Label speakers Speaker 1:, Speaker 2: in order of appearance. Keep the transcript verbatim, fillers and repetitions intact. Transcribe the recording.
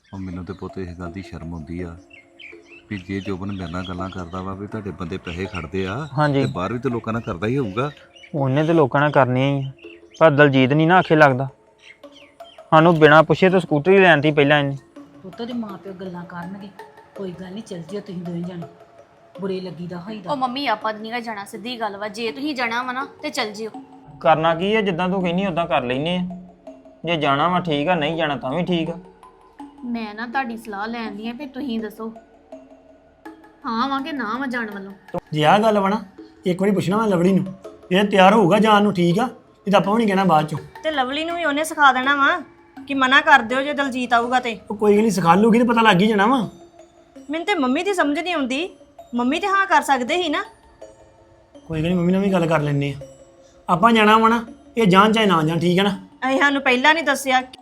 Speaker 1: ਉਹ ਮੈਨੂੰ ਤੇ ਪੁੱਤ ਇਸ ਗੱਲ ਦੀ ਸ਼ਰਮ ਆਉਂਦੀ ਆ ਵੀ ਜੇ ਜੋਬਨ ਮੇਰੇ ਨਾਲ ਗੱਲਾਂ ਕਰਦਾ ਵਾ ਵੀ ਤੁਹਾਡੇ ਬੰਦੇ ਪੈਸੇ ਖੜਦੇ ਆ
Speaker 2: ਹਾਂਜੀ
Speaker 1: ਤੇ ਬਾਹਰ ਵੀ ਤੇ ਲੋਕਾਂ ਨਾਲ ਕਰਦਾ ਹੀ ਹੋਊਗਾ।
Speaker 2: ਉਹਨੇ ਤੇ ਲੋਕਾਂ ਨਾਲ ਕਰਨੀਆਂ ਹੀ ਆ, ਪਰ ਦਲਜੀਤ ਨਹੀਂ ਨਾ ਆਖੇ ਲੱਗਦਾ। ਸਾਨੂੰ ਬਿਨਾਂ ਪੁੱਛੇ ਤਾਂ ਸਕੂਟਰੀ ਲੈਣ ਤੀ ਪਹਿਲਾਂ ਇਹਨੇ।
Speaker 3: ਪੁੱਤ ਦੇ ਮਾਂ ਪਿਓ ਗੱਲਾਂ ਕਰਨਗੇ, ਕੋਈ ਗੱਲ ਨਹੀਂ, ਚੱਲ ਜਿਓ ਤੁਸੀਂ ਦੋਵੇਂ ਜਾਣੇ, ਬੁਰੇ ਲੱਗੀਦਾ ਹੋਈਦਾ।
Speaker 4: ਉਹ ਮੰਮੀ ਆਪਾਂ ਨਹੀਂ ਗਾ ਜਾਣਾ, ਸਿੱਧੀ ਗੱਲ ਵਾ, ਜੇ ਤੁਸੀਂ ਜਾਣਾ ਵਾ ਨਾ ਤੇ ਚੱਲ ਜਿਓ।
Speaker 2: ਕਰਨਾ ਕੀ ਹੈ, ਜਿੱਦਾਂ ਤੂੰ ਕਹਿੰਦੀ ਉਦਾਂ ਕਰ ਲੈਨੇ ਆ। ਜੇ ਜਾਣਾ ਵਾ ਠੀਕ ਆ, ਨਹੀਂ ਜਾਣਾ ਤਾਂ ਵੀ ਠੀਕ ਆ।
Speaker 4: ਮੈਂ ਨਾ ਤੁਹਾਡੀ ਸਲਾਹ ਲੈਣ ਦੀ ਆ ਵੀ ਤੁਸੀਂ ਦੱਸੋ ਹਾਂ ਵਾਂ ਕਿ ਨਾ ਵਾ ਜਾਣ ਵੱਲੋਂ।
Speaker 5: ਜੇ ਆਹ ਗੱਲ ਵਾ ਨਾ, ਇੱਕ ਵਾਰੀ ਪੁੱਛਣਾ ਮੈਂ ਲਵੜੀ ਨੂੰ, ਜੇ ਤਿਆਰ ਹੋਊਗਾ ਜਾਣ ਨੂੰ ਠੀਕ ਆ, ਨਹੀਂ ਤਾਂ ਆਪਾਂ ਵੀ ਨਹੀਂ ਕਹਿਣਾ ਬਾਅਦ ਚੋਂ।
Speaker 6: ਤੇ ਲਵਲੀ ਨੂੰ ਵੀ ਉਹਨੇ ਸਿਖਾ ਦੇਣਾ ਵਾ ਕਿ ਮਨਾ ਕਰ ਦਿਓ ਜੇ ਦਲਜੀਤ ਆਊਗਾ ਤੇ।
Speaker 5: ਉਹ ਕੋਈ ਗੱਲ ਨਹੀਂ, ਸਿਖਾ ਲੂਗੀ ਤੇ ਪਤਾ ਲੱਗ ਹੀ ਜਾਣਾ ਵਾ।
Speaker 6: ਮੈਨੂੰ ਤੇ ਮੰਮੀ ਦੀ ਸਮਝ ਨਹੀਂ ਆਉਂਦੀ, ਮੰਮੀ ਤੇ ਹਾਂ ਕਰ ਸਕਦੇ ਸੀ ਨਾ।
Speaker 5: ਕੋਈ ਗੱਲ ਨਹੀਂ, ਮੰਮੀ ਨਾਲ ਵੀ ਗੱਲ ਕਰ ਲੈਂਦੇ ਆ। ਆਪਾਂ ਜਾਣਾ ਵਾ ਨਾ, ਇਹ ਜਾਣ ਚਾਹੇ ਨਾ ਜਾਣ, ਠੀਕ ਹੈ ਨਾ।
Speaker 6: ਅਸੀਂ ਸਾਨੂੰ ਪਹਿਲਾਂ ਨਹੀਂ ਦੱਸਿਆ।